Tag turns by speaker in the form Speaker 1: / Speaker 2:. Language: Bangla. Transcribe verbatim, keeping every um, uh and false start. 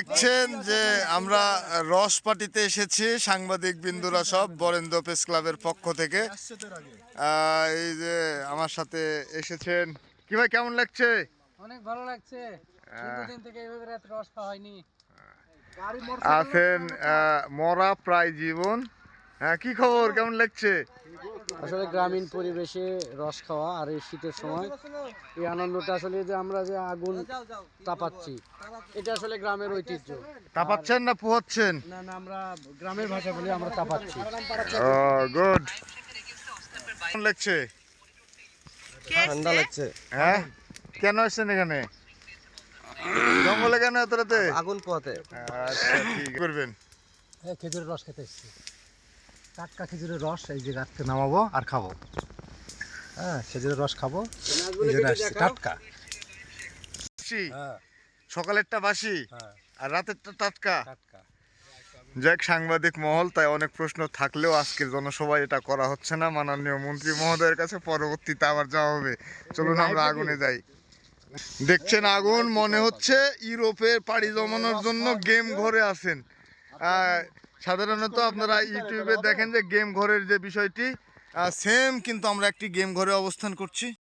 Speaker 1: দেখছেন যে আমরা রস পার্টিতে এসেছি, সাংবাদিক বিন্দুরা সব বরেন্দ্র প্রেস ক্লাবের পক্ষ থেকে। আহ, এই যে আমার সাথে এসেছেন, কি ভাই কেমন লাগছে?
Speaker 2: অনেক ভালো লাগছে, দীর্ঘদিন থেকে এইভাবে রাত রস খাওয়া হয়নি।
Speaker 1: আছেন আহ, মরা প্রায় জীবন। হ্যাঁ, কি খবর, কেমন লাগছে?
Speaker 2: আসলে গ্রামীণ পরিবেশে রস খাওয়া আর এই শীতের সময় এই আনন্দটা আসলে যে আমরা যে আগুন তাপাচ্ছি এটা আসলে গ্রামের ঐতিহ্য।
Speaker 1: তাপাচ্ছেন না পোহাচ্ছেন?
Speaker 2: না না, আমরা গ্রামের ভাষা বলি আমরা তাপাচ্ছি।
Speaker 1: ও গুড। কেমন লাগছে?
Speaker 2: ঠান্ডা লাগছে।
Speaker 1: হ্যাঁ, কেন আসছেন এখানে? জঙ্গলে কেন এত রাতে?
Speaker 2: আগুন পোহাতে।
Speaker 1: আচ্ছা, ঠিক করবেন।
Speaker 2: এই খেজুরের রস খেতে এসেছি, টাটকা খেজুরের রস এই যে গাছ থেকে নামাবো আর খাবো। হ্যাঁ, খেজুরের রস খাবো, এই জন্য আসছি, টাটকা।
Speaker 1: বাসি?
Speaker 2: হ্যাঁ
Speaker 1: সকালেরটা বাসি
Speaker 2: হ্যাঁ,
Speaker 1: আর রাতেরটা টাটকা।
Speaker 2: টাটকা।
Speaker 1: যাক, সাংবাদিক মহল, তাই অনেক প্রশ্ন থাকলেও আজকের জনসভায় এটা করা হচ্ছে না। মাননীয় মন্ত্রী মহোদয়ের কাছে পরবর্তীতে আবার যাওয়া হবে। চলুন আমরা আগুনে যাই। দেখছেন আগুন, মনে হচ্ছে ইউরোপে পাড়ি জমানোর জন্য গেম ঘরে আছেন। আহ, সাধারণত আপনারা ইউটিউবে দেখেন যে গেম ঘরের যে বিষয়টি সেম, কিন্তু আমরা একটি গেম ঘরে অবস্থান করছি।